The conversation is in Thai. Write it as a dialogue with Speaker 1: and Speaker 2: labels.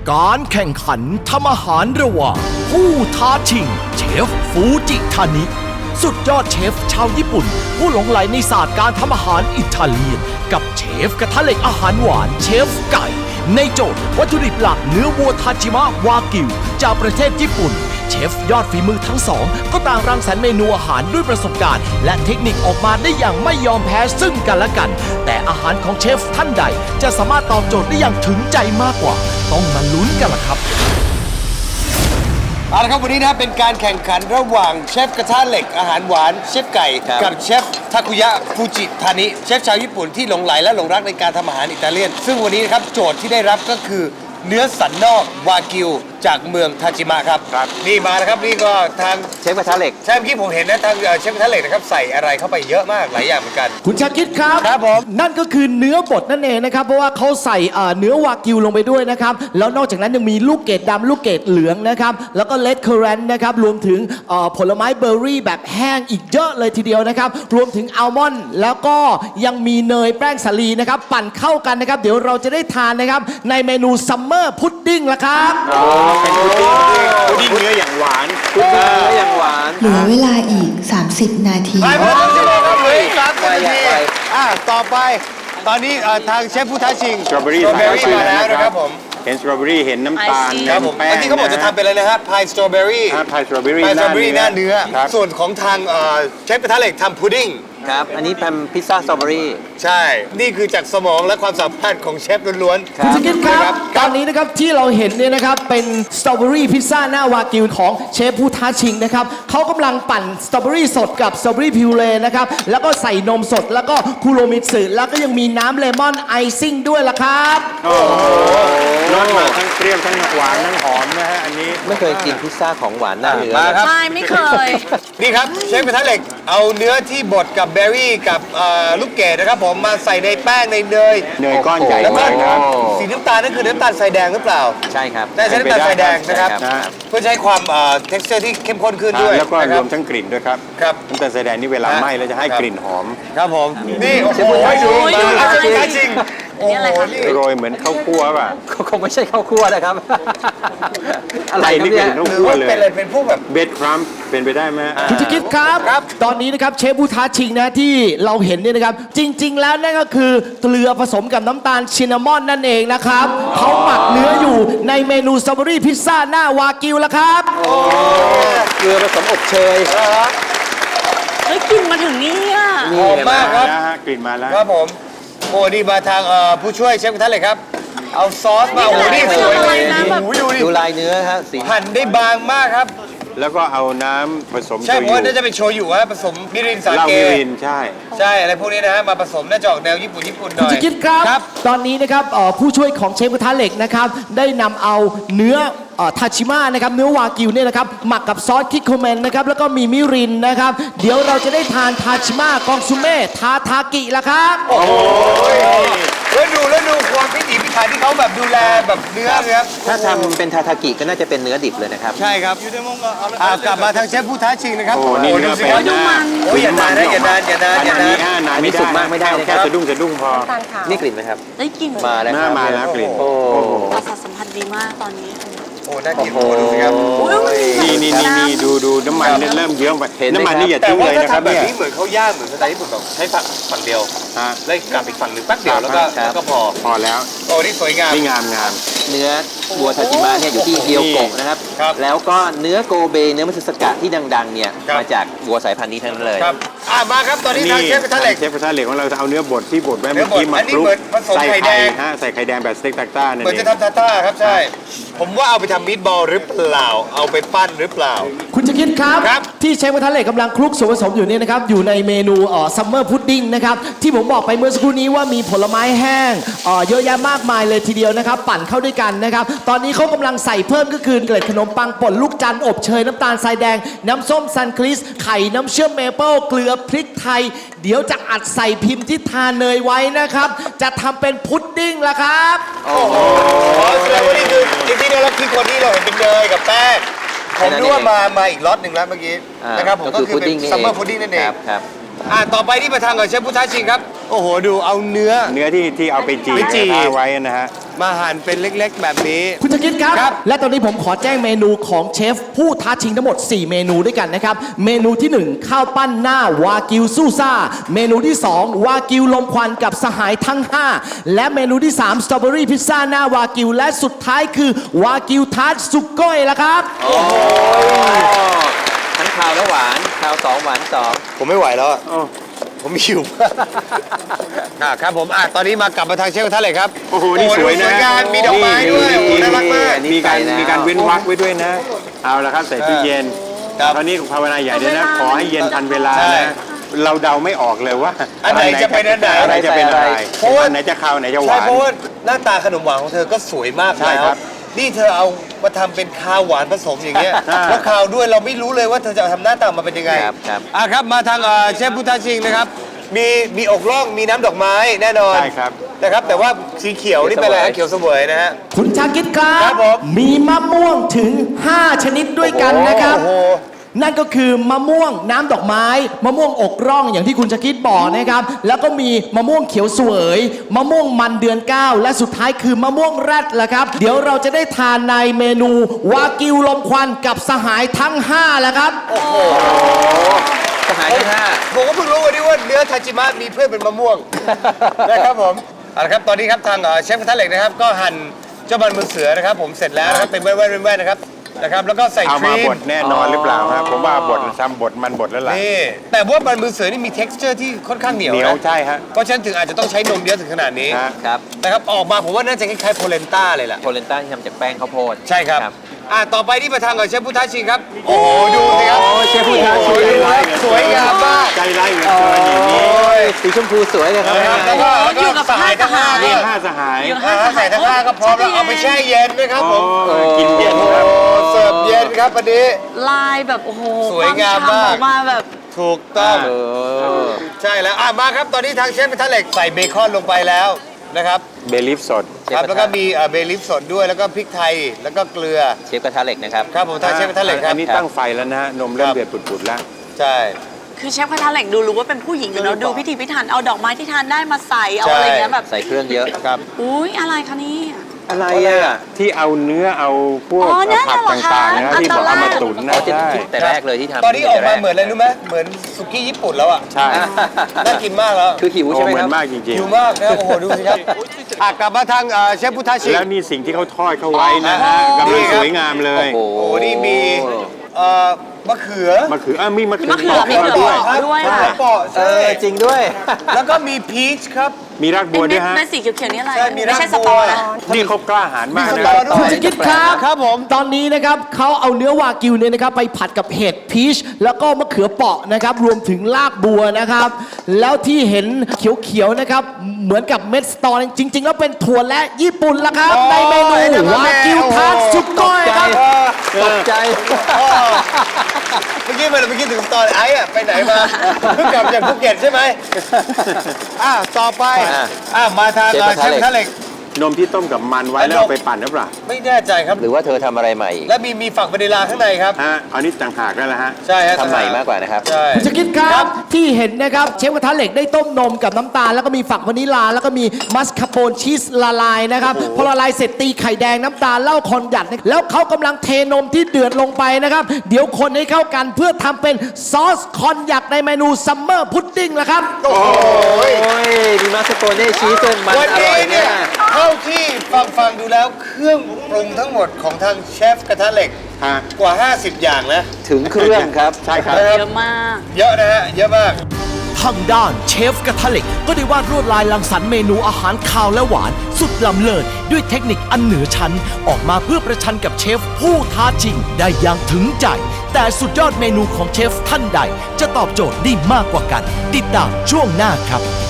Speaker 1: การแข่งขันทำอาหารระหว่างผู้ท้าชิงเชฟฟูจิทานิสุดยอดเชฟชาวญี่ปุ่นผู้หลงไหลในศาสตร์การทำอาหารอิตาเลียนกับเชฟกระทะเหล็กอาหารหวานเชฟไก่ในโจทย์วัตถุดิบหลักเนื้อวัวทาจิมะวากิวจากประเทศญี่ปุ่นเชฟยอดฝีมือทั้งสองก็ต่างรังสรรค์เมนูอาหารด้วยประสบการณ์และเทคนิคออกมาได้อย่างไม่ยอมแพ้ซึ่งกันและกันแต่อาหารของเชฟท่านใดจะสามารถตอบโจทย์ได้อย่างถึงใจมากกว่าต้องมาลุ้นกันล่ะครับ
Speaker 2: เอาละครับวันนี้นะเป็นการแข่งขันระหว่างเชฟกระทะเหล็กอาหารหวานเชฟไก่กับเชฟทาคุยะฟูจิทานิเชฟชาวญี่ปุ่นที่หลงไหลและหลงรักในการทำอาหารอิตาเลียนซึ่งวันนี้นะครับโจทย์ที่ได้รับก็คือเนื้อสันนอกวากิวจากเมืองทาจิมะครับนี่มานะครับนี่ก็ทาง
Speaker 3: เชฟกระทะเหล็ก
Speaker 2: ใช่เมื่อกี้ผมเห็นนะทางเชฟกระทะเหล็กนะครับใส่อะไรเข้าไปเยอะมากหลายอย่างเหมือนกัน
Speaker 1: คุณชาคิดครับ
Speaker 2: ครับผม
Speaker 1: นั่นก็คือเนื้อบดนั่นเองนะครับเพราะว่าเขาใส่เนื้อวากิวลงไปด้วยนะครับแล้วนอกจากนั้นยังมีลูกเกดดำลูกเกดเหลืองนะครับแล้วก็เลดเคอร์เรนต์นะครับรวมถึงผลไม้เบอร์รี่แบบแห้งอีกเยอะเลยทีเดียวนะครับรวมถึงอัลมอนด์แล้วก็ยังมีเนยแป้งสาลีนะครับปั่นเข้ากันนะครับเดี๋ยวเราจะได้ทานนะครับในเมนูซัมเมอร์พุดดิ้งละครับ
Speaker 3: เป็นพุดดิ้งเนื้ออย่างหวานพุดดิ้งเนื้ออย่างหวาน
Speaker 4: เหลือเวลาอีก 30 นาที
Speaker 2: ไปหมดแล้วใช่ไหมครับเหลืออีก30 นาทีต่อไปตอนนี้ทางเชฟผู้ท้าชิง
Speaker 3: สตรอเบอรี่
Speaker 2: มาแล้วนะครับผม
Speaker 3: เห็นสตรอเบอรี่เห็นน้ำตาล
Speaker 2: ครับผมอันนี้เขาบอกจะทำเป็นอะไรนะครับพายสตรอเบอรี่
Speaker 3: พายสตรอเบอรี่
Speaker 2: หน้าเนื้อส่วนของทางเชฟกระทะเหล็กทำพุดดิ้ง
Speaker 3: ครับอันนี้เป็นพิซซ่าสตรอเบอรี่
Speaker 2: ใช่นี่คือจากสมองและความสามารถของเชฟล้วน
Speaker 1: ๆคุณสกินครับตอนนี้นะครับที่เราเห็นเนี่ยนะครับเป็นสตรอเบอรี่พิซซ่าหน้าวากิวของเชฟผู้ท้าชิงนะครับเขากำลังปั่นสตรอเบอรี่สดกับสตรอเบอรี่พิวเรนะครับแล้วก็ใส่นมสดแล้วก็คูโรมิสึแล้วก็ยังมีน้ำเลมอนไอซิ่งด้วยล่ะครับ
Speaker 3: โอ้โหรสมาทั้งเปรี้ยวทั้งหวานทั้งหอมนะฮะอันนี้ไม่เคยกินพิซซ่าของหวานหน้าเนื้อ
Speaker 2: ใ
Speaker 5: ช่ไม่เคย
Speaker 2: นี่ครับเชฟกระทะเหล็กเอาเนื้อที่บดกับเบอร์รี่กับลูกเกดนะครับผมมาใส่ในแป้งในเนย
Speaker 3: ก้อนใหญ่มากครับ
Speaker 2: สีน้ำตาลนั่นคือน้ำตาลทรายแดงหรือเปล่า
Speaker 3: ใช่ครับ
Speaker 2: ใช่น้ำตาลทรายแดงนะครับเพื่อใช้ความ texture ที่เข้มข้นขึ้นด้วย
Speaker 3: แล้วก็รวมทั้งกลิ่นด้วยครับน้ำตาลทรายแดงนี่เวลาไหม้แล้วจะให้กลิ่นหอม
Speaker 2: ครับผมนี่โอ้โหดูจริงโอ้โหนี่
Speaker 3: โรยเหมือนข้าวคั่วป่ะคงไม่ใช่ข้าวคั่วนะครับอะไรนี่เป็นข้าวคั่วเลย
Speaker 2: เป็นพวกแบบ
Speaker 3: เบดครัมเป็นไปได้ไหม
Speaker 1: คุณจะคิดครับตอนนี้นะครับเชฟผู้ท้าชิงนะที่เราเห็นเนี่ยนะครับจริงๆแล้วนั่นก็คือเกลือผสมกับน้ำตาลชินนามอนนั่นเองนะครับเขาหมักเนื้ออยู่ในเมนูสตรอเบอรี่พิซซ่าหน้าวากิวแล้วครับ
Speaker 3: เกลือผสมอบเชย
Speaker 5: เฮ้ยกลิ่นมาถึงนี่อ่ะ
Speaker 2: หอมมากครับ
Speaker 3: กลิ่นมาแล้ว
Speaker 2: ครับผมโอ้นี่มาทางผู้ช่วยเชฟกระทะเหล็กครับเอาซอสมาโอ้นี่สวยเลย
Speaker 3: ดูลายเนื้อฮะสี
Speaker 2: หั่นได้บางมากครับ
Speaker 3: แล้วก็เอาน้ำผสม
Speaker 2: ใช่เพราะน่าจะเป็นโชยุฮะผสมมิรินสาเกใช่อะไรพวกนี้นะฮะมาผสมน่าจะออกแนวญี่ปุ่นหน่อย
Speaker 1: คุณจะคิดครับตอนนี้นะครับผู้ช่วยของเชฟกระทะเหล็กนะครับได้นำเอาเนื้อทาชิมะนะครับเนื้อวากิวเนี่ยนะครับหมักกับซอสคิโคเมนนะครับแล้วก็มีมิรินนะครับเดี๋ยวเราจะได้ทานทาชิมะกองซูเม่ทากิละครับ
Speaker 2: โอ้ยแล้วดูความพิถีพิถันที่เขาแบบดูแลแบบเนื้อครับ
Speaker 3: ถ้าทำเป็นทากิก็น่าจะเป็นเนื้อดิบเลยนะครับ
Speaker 2: ใช่ครับกลับมาทางเชฟผู้ท้าชิงนะครับ
Speaker 3: โอ้นี่ดูสิครับ
Speaker 2: โอ้ยอย่านานนะอย่านาน
Speaker 3: อันนี้สุกมากไม่ได้แค่สะดุ้งพอนี่กลิ่นไหมครับ
Speaker 5: ได้กลิ่น
Speaker 3: มาแล้วกลิ่น
Speaker 5: ประสาทสัมผัสดีมากตอนนี้
Speaker 2: โอ้น่ากินดูสิครับ
Speaker 3: นี่ดูน้ำมันเริ่มเยิ้มไปน้ำมันนี่อย่าทิ้งเลยนะครับ
Speaker 2: เนี่ยเหมือนเขาย่างเหมือนสไตล์ญี่ปุ่นแบบใช้ฝั่งเดียวแล้วกลับอีกฝั่งหนึ่งแป๊บเดียวแล้วก็
Speaker 3: พอแล้ว
Speaker 2: โอ้นี่สวยงาม
Speaker 3: นี่งามเนื้อวัวทาจิมะเนี่ยอยู่ที่เกียวโกะนะครับแล้วก็เนื้อโกเบเนื้อมัตสึสกะที่ดังๆเนี่ยมาจากวัวสายพันธุ์นี้ทั้งนั้นเลย
Speaker 2: มาครับตอนนี้ทางเชฟกระทะเหล็ก
Speaker 3: ของเราจะเอาเนื้อบดที่บดไว้เมื่อกี้มาคลุกใส่ไข่แดงใส่ไข่แดงแบบสเต็กต้านั่นเอง
Speaker 2: เหมือนจะทำทาต้าครับใช่ผมว่าเอาไปทำมีทบอลหรือเปล่าเอาไปปั้นหรือเปล่า
Speaker 1: คุณจะคิดครับที่เชฟกระทะเหล็กกำลังคลุกส่วนผสมอยู่เนี่ยนะครับอยู่ในเมนูซัมเมอร์พุดดิ้งนะครับที่ผมบอกไปเมื่อสักครู่นี้ว่ามีผลไม้แห้งเยอะแยะมากมายเลยทีเดียวนะครับปั่นเข้าด้วยกันนะครับตอนนี้เขากำลังใส่เพิ่มก็คือเกล็ดขนมปังป่นลูกจันทร์อบเชยน้ำตาลทรายแดงน้ำส้มซันคริสไข่น้ำเชื่อมเมเปิลเกลือพริกไทยเดี๋ยวจะอัดใส่พิมพ์ที่ทาเนยไว้นะครับจะทำเป็นพุดดิ้งละครับ
Speaker 2: โอ้โหแสดงว่านี่คือจริงๆแล้วคือคนที่เราเห็นเป็นเนยกับแป้งผมนึกว่ามาอีกล็อตหนึ่งแล้วเมื่อกี้นะครับผมก็คือเป็นซัมเมอร์พุดดิ้งนั่นเองต่อไปที่มาทางกับเชฟผู้ท้าชิงครับโอ้โหดูเอาเนื้อ
Speaker 6: ที่เอาไปจี
Speaker 2: ไปจี่
Speaker 6: ไว้นะฮะ
Speaker 2: มาหั่นเป็นเล็กๆ แบบนี้
Speaker 1: คุณจะคิดครับ
Speaker 2: ครับ
Speaker 1: และตอนนี้ผมขอแจ้งเมนูของเชฟผู้ท้าชิงทั้งหมด 4 เมนูด้วยกันนะครับ เมนูที่ 1 ข้าวปั้นหน้าวากิวซูซ่า เมนูที่ 2 วากิวลมควันกับสหายทั้ง 5 และเมนูที่ 3 สตรอเบอรี่พิซซ่าหน้าวากิว และสุดท้ายคือวากิวทาร์ตสุก้อยละครับ
Speaker 3: ทั้งคาวและหวานคาว2หวาน2
Speaker 2: ผมไม่ไหวแล้วอะผมหิว ครับผมตอนนี้มากลับมาทางเชฟกระทะเหล็กครับ
Speaker 6: โอ้โห นี่สวยนะ
Speaker 2: งามมีดอกไม้ด้วยโอ้โหน่ารักมาก
Speaker 6: มีการเว้นวรรคไว้ด้วยนะ เอาละครับใส่ตู้เย็น
Speaker 2: ครับ
Speaker 6: ตอนนี้ภาวนาใหญ่เลยนะ ขอให้เย็นทันเวลา
Speaker 2: ใช่
Speaker 6: นะ เราเดาไม่ออกเลยว่า
Speaker 2: อันไหนจะเป็นอันไหน
Speaker 6: อะไรจะเป็นอะไร
Speaker 2: เพราะว่า
Speaker 6: อันไหนจะคาวอันไหนจะห
Speaker 2: ใช่
Speaker 6: วาน
Speaker 2: เพราะว่าหน้าตาขนมหวานของเธอก็สวยมาก
Speaker 6: ใช่
Speaker 2: แล้ว
Speaker 6: ครับ
Speaker 2: นี่เธอเอามาทำเป็นคาวหวานผสมอย่างเงี้ย
Speaker 6: ใช่
Speaker 2: แล้วคาวด้วยเราไม่รู้เลยว่าเธอจะทำหน้าตามาเป็นยังไง
Speaker 3: ครับครับ
Speaker 2: ครับมาทางเชฟพุทธชิงนะครับมีอกล่องมีน้ำดอกไม้แน่นอน
Speaker 6: ใช่ครับ
Speaker 2: นะครับ แต่ว่าสีเขียวนี่เป็นอะไรฮะเขียวเสวยนะฮะ
Speaker 1: คุณชาคิดครั
Speaker 2: ครับ บผม
Speaker 1: มีมะม่วงถึง 5 ชนิดด้วยกันนะครับ
Speaker 2: โอ้โห
Speaker 1: นั่นก็คือมะม่วงน้ำดอกไม้ มะม่วงอกร่องอย่างที่คุณชาคิดบอกนะครับ แล้วก็มีมะม่วงเขียวเสวย มะม่วงมันเดือน 9 และสุดท้ายคือมะม่วงแรดละครับ เดี๋ยวเราจะได้ทานในเมนูวากิวลมควันกับสหายทั้ง 5 แล้วครับ
Speaker 3: สหายทั้งห้า
Speaker 2: ผมก็เพิ่งรู้วันนี้ว่าเนื้อทาจิมะมีเพื่อนเป็นมะม่วง นะครับผมเอาละครับตอนนี้ครับทางเชฟกระทะเหล็กนะครับก็หั่นเจ้ามันมือเสือนะครับผมเสร็จแล้วนะครับเป็นแว่นๆนะครับแล้วก็ใส่
Speaker 6: เอา
Speaker 2: ค
Speaker 6: มา
Speaker 2: รีม
Speaker 6: บดแน่นอนหรือเปล่าครับผมว่าบดทำบดมันบดแล้วล่ะ
Speaker 2: นี่แต่ว่ามันมือเสือนี่มี texture ที่ค่อนข้างเหนียว
Speaker 6: เหนียว
Speaker 2: นะ
Speaker 6: ใช่ฮะ
Speaker 2: เพราะฉะนั้นถึงอาจจะต้องใช้นมเยอะถึงขนาดนี้
Speaker 6: ฮะ
Speaker 3: ครับ
Speaker 2: นะครับออกมาผมว่าน่าจะคล้ายๆโพเลนต้าเลยแหละ
Speaker 3: โพเลนต้าที่ทำจากแป้งข้าวโพด
Speaker 2: ใช่ครับต่อไปที่มาทางกับเชฟพุทธชิงครับโอ้โหดูสิครับ
Speaker 3: โอ้เชฟพุทธชิง
Speaker 2: สวยงามมาก
Speaker 6: ใจร้ายเหลือเกินอย่างนี้
Speaker 3: สีชมพูสวยเลยครับ
Speaker 2: นะครับแล้วก็สหายทั้งห้า
Speaker 6: นี่
Speaker 2: เนี่ย
Speaker 6: ห้าสหาย
Speaker 2: ใส่ทั้งห้าก็พร้อมแล้วเอาไปแช่เย็นนะครับผม
Speaker 6: โอ้กินเย็นครับ
Speaker 2: โอ้เสิร์ฟเย็นครับวันนี้
Speaker 5: ลายแบบโอ้โห
Speaker 2: สวยงาม
Speaker 5: คว
Speaker 2: มาก
Speaker 5: ฉ่ำออกมาแบบ
Speaker 2: ถูกต้อง
Speaker 3: เออ
Speaker 2: ใช่แล้วมาครับตอนนี้ทางเชฟกระทะเหล็กใส่เบคอนลงไปแล้วนะครับ
Speaker 6: เบลิฟสด
Speaker 2: ครับแล้วก็มีเบลิฟสดด้วยแล้วก็พริกไทยแล้วก็เกลือ
Speaker 3: เชฟกระทะเหล็กนะครับ
Speaker 2: ครับผมทางเชฟกระทะเหล็กค
Speaker 6: อั
Speaker 2: รับ
Speaker 6: นนี้ตั้งไฟแล้วนะฮะนมเริ่มเดือดปุดๆแล้ว
Speaker 2: ใช่
Speaker 5: คือเชฟกระทะเหล็กดูรู้ว่าเป็นผู้หญิงเนาะดูพิถีพิถันเอาดอกไม้ที่ทานได้มาใส่เอา
Speaker 2: ใช่
Speaker 5: อะไรเงี้ยแบบ
Speaker 3: ใส่เครื่องเยอะ
Speaker 2: ครับ
Speaker 5: อุ้ยอะไรคะเนี่ย
Speaker 3: อะไร
Speaker 6: ที่เอาเนื้อเอาพวก
Speaker 5: อ๋อนั่น
Speaker 6: ผัก
Speaker 5: น่ะเหรอคะ
Speaker 6: ต่างๆนะครับที่บอกเอามาตุ๋นนะ
Speaker 3: อ๋อจะ
Speaker 6: ใช่
Speaker 3: คิดแต่แรกเลยที่ทำ
Speaker 2: ตอนนี้ออกมาเหมือนอะไรรู้ไหมเหมือนสุกี้ญี่ปุ่นแล้วอ่ะ
Speaker 6: ใช่
Speaker 2: น่ากินมากแล้ว
Speaker 3: คือหิว
Speaker 6: โอ้
Speaker 3: ใช่ไหม
Speaker 6: เหมื
Speaker 3: ค
Speaker 6: อ
Speaker 3: รับ
Speaker 6: นมากจริง
Speaker 2: หิวมากนะครับโอ้โหดูสิครับกลับมาทางเชฟพุทธชิ
Speaker 6: ๆ
Speaker 2: ง
Speaker 6: แล้วนี่สิ่งที่เขาทอดเข้าไว้นะฮะกำลังสวยงามเลย
Speaker 3: โอ้
Speaker 2: โอ้โหนี่มีมะเขือ
Speaker 6: มะเขือมีมะเขือ
Speaker 5: มะเขือ
Speaker 6: ปอก
Speaker 5: มี
Speaker 6: มา
Speaker 5: เขื
Speaker 6: ด้วย
Speaker 5: อด้วย
Speaker 2: มะ
Speaker 5: ค่ะ
Speaker 2: เขือเปราะ
Speaker 3: เอ
Speaker 2: ใช่
Speaker 3: อจริงด้วย
Speaker 2: แล้วก็มีพีชครับ
Speaker 6: มีรากบัวด้วยฮะ
Speaker 5: เม็ดสีเขียวๆนี่อะไร
Speaker 2: ใช่มี
Speaker 5: ไม่ใช่
Speaker 2: ราก
Speaker 5: ส
Speaker 2: บัว
Speaker 5: ตอนะ
Speaker 6: นี่เขากล้าหาญมาก
Speaker 2: มี
Speaker 6: นะ
Speaker 2: สตอด้
Speaker 1: คุ
Speaker 2: ว
Speaker 1: ณ
Speaker 2: ย
Speaker 1: จะคิดครับ
Speaker 2: ครับผม
Speaker 1: ตอนนี้นะครับเขาเอาเนื้อวากิวเนี่ยนะครับไปผัดกับเห็ดพีชแล้วก็มะเขือเปราะนะครับรวมถึงรากบัวนะครับ แล้วที่เห็นเขียวๆนะครับเหมือนกับเม็ดสตอจริง ๆ แล้วเป็นถั่วและญี่ปุ่นละครับ ในเมนูวากิวทาร์ตสุก้อยครับ
Speaker 3: ตกใจ
Speaker 2: เมื่อกี้ถึงตอนไอ้อะไปไหนมาเพิ่งกลับจากภูเก็ตใช่ไหมต่อไปมาทางเชฟกระทะเหล็ก
Speaker 6: นมที่ต้มกับมันไว้แล้วเอาไปปั่นหรือเปล่า
Speaker 2: ไม่แน่ใจครับ
Speaker 3: หรือว่าเธอทำอะไรใหม่อีก
Speaker 2: และมีฝักวานิลลาข้างในครับ
Speaker 6: ฮะอันนี้ต่างหากแล้วล่ะฮะ
Speaker 2: ใช่ฮะ
Speaker 3: ทำใหม่มากกว่านะครับ
Speaker 2: ใช่
Speaker 1: คุณจะคิดครับที่เห็นนะครับเชฟกระทะเหล็กได้ต้มนมกับน้ำตาล แล้วก็มีฝักวานิลลาแล้วก็มีมัสคาโปนชีสละลายนะครับพอละลายเสร็จตีไข่แดงน้ำตาลเหล้าคอนหยัดแล้วเขากำลังเทนมที่เดือดลงไปนะครับ เดี๋ยวคนให้เข้ากันเพื่อทำเป็นซอสคอนหยักในเมนูซัมเมอร์พุดดิ้งละครับ
Speaker 2: โอ้โห
Speaker 3: โอ้ยมีมาสโกเน่ชีสจนมัน
Speaker 2: วัน
Speaker 3: อร่
Speaker 2: นี้
Speaker 3: อย
Speaker 2: เนี่
Speaker 3: เนี่ย ย
Speaker 2: เท่าที่ฟังดูแล้วเครื่องปรุงทั้งหมดของทางเชฟกระทะเหล็ก
Speaker 6: ฮะ
Speaker 2: กว่า 50 อย่างนะ
Speaker 3: ถึงเครื่องครับ
Speaker 6: ใช่ครับ
Speaker 5: เยอะมาก
Speaker 2: เยอะนะฮะ เยอะมาก
Speaker 1: ทางด้านเชฟกระทะเหล็กก็ได้วาดลวดลายรังสรรค์เมนูอาหารคาวและหวาน สุดล้ำเลิศด้วยเทคนิคอันเหนือชั้น ออกมาเพื่อประชันกับเชฟผู้ท้าชิงได้อย่างถึงใจ แต่สุดยอดเมนูของเชฟท่านใด จะตอบโจทย์ได้มากกว่ากัน ติดตามช่วงหน้าครับ